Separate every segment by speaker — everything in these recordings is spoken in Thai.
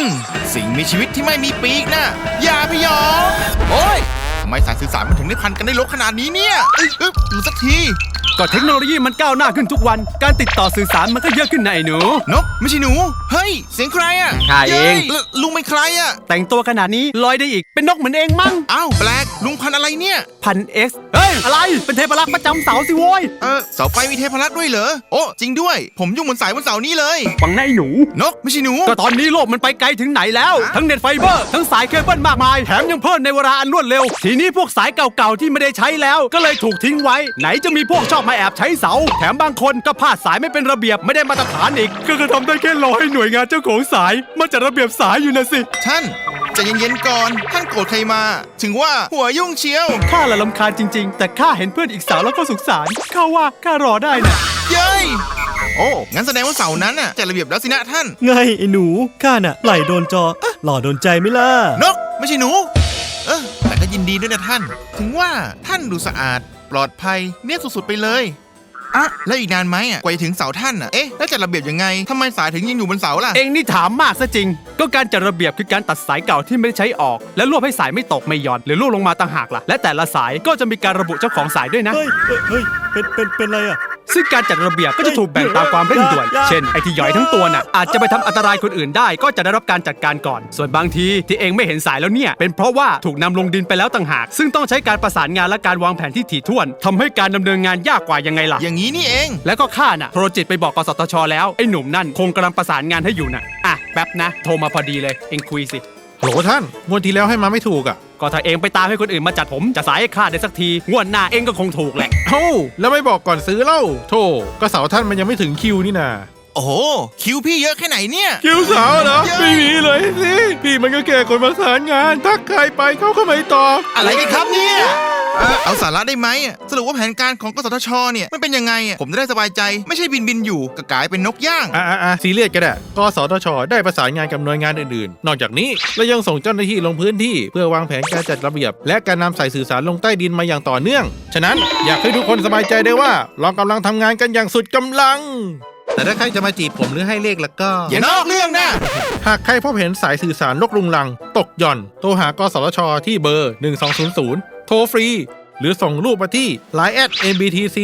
Speaker 1: สิ่งมีชีวิตที่ไม่มีปีกนะอย่าพยองโอ้ยทำไมสายสื่อสารมันถึงได้พันกันได้ลกขนาดนี้เนี่ยหรือสักที
Speaker 2: ก็เทคโนโลยีมันก้าวหน้าขึ้นทุกวันการติดต่อสื่อสารมันก็เยอะขึ้นนะไอ้หนู
Speaker 1: นกไม่ใช่หนูเฮ้ยเสียงใครอ่ะ
Speaker 2: ข้าเอง
Speaker 1: ลุงเป็นใครอ่ะ
Speaker 2: แต่งตัวขนาดนี้ลอยได้อีกเป็นนกเหมือนเองมั้ง
Speaker 1: อ้าวแปลกลุงพันอะไรเนี่ย
Speaker 2: พัน X เฮ้ยอะไรเป็นเทพรักษ์ประจำเสาสิโว้ย
Speaker 1: เสาไฟมีเทพรักษ์ด้วยเหรอโอ้จริงด้วยผมยุ่งบนสายบนเสานี้เลย
Speaker 2: ฟังนะไอ้หนู
Speaker 1: นกไม่ใช่หนู
Speaker 2: ก็ตอนนี้โลกมันไปไกลถึงไหนแล้วทั้งเน็ตไฟเบอร์ทั้งสายเคเบิลมากมายแถมยังเพิ่มในเวลาอันรวดเร็วทีนี้พวกสายเก่าๆที่ไม่ได้ใช้แล้วก็เลยถูกทิ้งไว้ไหนจะมีพวกชอบมาแอบใช้เสาแถมบางคนก็พาดสายไม่เป็นระเบียบไม่ได้มาตรฐานอีกก็ทำได้แค่รอให้หน่วยงานเจ้าของสายมาจัดระเบียบสายอยู่นะสิ
Speaker 1: ท่านใจเย็นๆก่อนท่านโกรธใครมาถึงว่าหัวยุ่งเชียว
Speaker 2: ข้าละรำคาญจริงๆแต่ข้าเห็นเพื่อนอีกสาวแล้วก็สงสารข้าว่าข้ารอได้นะ
Speaker 1: เย้ยโอ้งั้นแสดงว่าเสานั้นน่ะจัดระเบียบแล้วสินะท่าน
Speaker 3: ไงไอ้หนูข้าน่ะไหลโดนจอหล่อโดนใจไหมล่ะ
Speaker 1: นกไม่ใช่หนูแต่ก็ยินดีด้วยนะท่านถึงว่าท่านดูสะอาดปลอดภัยเนี่ยสุดๆไปเลยแล้วอีกนานไหมกว่าจะถึงเสาท่านแล้วจัดระเบียบยังไงทำไมสายถึงยังอยู่บนเสาล่ะ
Speaker 2: เองนี่ถามมากซะจริงก็การจัดระเบียบคือการตัดสายเก่าที่ไม่ได้ใช้ออกและรวบให้สายไม่ตกไม่หย่อนหรือร่วงลงมาต่างหากล่ะและแต่ละสายก็จะมีการระบุเจ้าของสายด้วยนะ
Speaker 3: เฮ้ยเป็นไรอ่ะ
Speaker 2: ซึ่งการจัดระเบียบก็จะถูกแบ่งตามความเร่งด่วนเช่นไอ้ที่ย่อยทั้งตัวน่ะอาจจะไปทำอันตรายคนอื่นได้ก็จะได้รับการจัดการก่อนส่วนบางทีที่เองไม่เห็นสายแล้วเนี่ยเป็นเพราะว่าถูกนำลงดินไปแล้วต่างหากซึ่งต้องใช้การประสานงานและการวางแผนที่ถี่ถ้วนทำให้การดำเนินงานยากกว่ายังไงล่ะ
Speaker 1: อย่างนี้นี่เอง
Speaker 2: แล้วก็ข้าน่ะโทรจิตไปบอกกสทช.แล้วไอ้หนุ่มนั่นคงกำลังประสานงานให้อยู่น่ะแป๊บนะโทรมาพอดีเลยเองคุยสิ
Speaker 4: โหท่านงวดที่แล้วให้มาไม่ถูก
Speaker 2: ก็ถ้าเองไปตามให้คนอื่นมาจัดผมจะสายให้ข้าได้สักทีงวดหน้าเองก็คงถูกแหละ
Speaker 4: แล้วไม่บอกก่อนซื้อเล่าโธ่ก็เสาท่านมันยังไม่ถึงคิวนี่นา
Speaker 1: โอ้โหคิวพี่เยอะแค่ไหนเนี่ย
Speaker 4: คิวสาวเหรอไม่มีเลยสิพี่มันก็แค่คนประสานงานทักใครไปเขาก็ไม่ตอบ
Speaker 1: อะไรกันครับเนี่ยเอาสาระได้ไหมสรุปว่าแผนการของกสทชเนี่ยมันเป็นยังไงผมจะได้สบายใจไม่ใช่บินอยู่ก็กลายเป็นนกย่าง
Speaker 4: ซีเรียสก็ได้กสทชได้ประสานงานกับหน่วยงานอื่นๆนอกจากนี้เรายังส่งเจ้าหน้าที่ลงพื้นที่เพื่อวางแผนการจัดระเบียบและการนำสายสื่อสารลงใต้ดินมาอย่างต่อเนื่องฉะนั้นอยากให้ทุกคนสบายใจได้ว่าเรากำลังทำงานกันอย่างสุดกำลังแต่ถ้าใครจะมาจีบผมหรือให้เลขแล้วก็
Speaker 1: อย่านอกเรื่องนะ
Speaker 4: หากใครพบเห็นสายสื่อสารลกรุงรังตกหย่อนโทรหากสทชที่เบอร์1200โทรฟรีหรือส่งรูปมาที่ Line @mbtc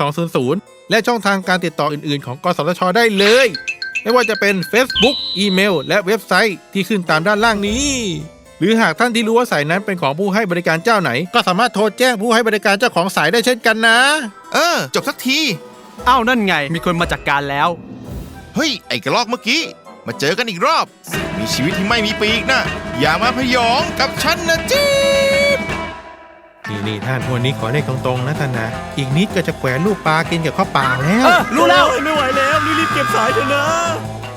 Speaker 4: 1200และช่องทางการติดต่ออื่นๆของกสทชได้เลยไม่ว่าจะเป็น Facebook อีเมลและเว็บไซต์ที่ขึ้นตามด้านล่างนี้หรือหากท่านที่รู้ว่าสายนั้นเป็นของผู้ให้บริการเจ้าไหนก็สามารถโทรแจ้งผู้ให้บริการเจ้าของสายได้เช่นกันนะ
Speaker 1: จบสักที
Speaker 2: นั่นไงมีคนมาจัดการแล้ว
Speaker 1: เฮ้ยไอ้กระรอกเมื่อกี้มาเจอกันอีกรอบมีชีวิตที่ไม่มีปีกนะอย่ามาพยองกับฉันนะจี๊ด
Speaker 4: นี่ท่านวันนี้ขอเลขตรงๆนะท่านนะอีกนิดก็จะแขวนลูกปลากินกับข้าวเปล่าแล้ว
Speaker 2: รู้แล้ว
Speaker 3: ไม่ไหวแล้วรีบเก็บสายเถอะนะ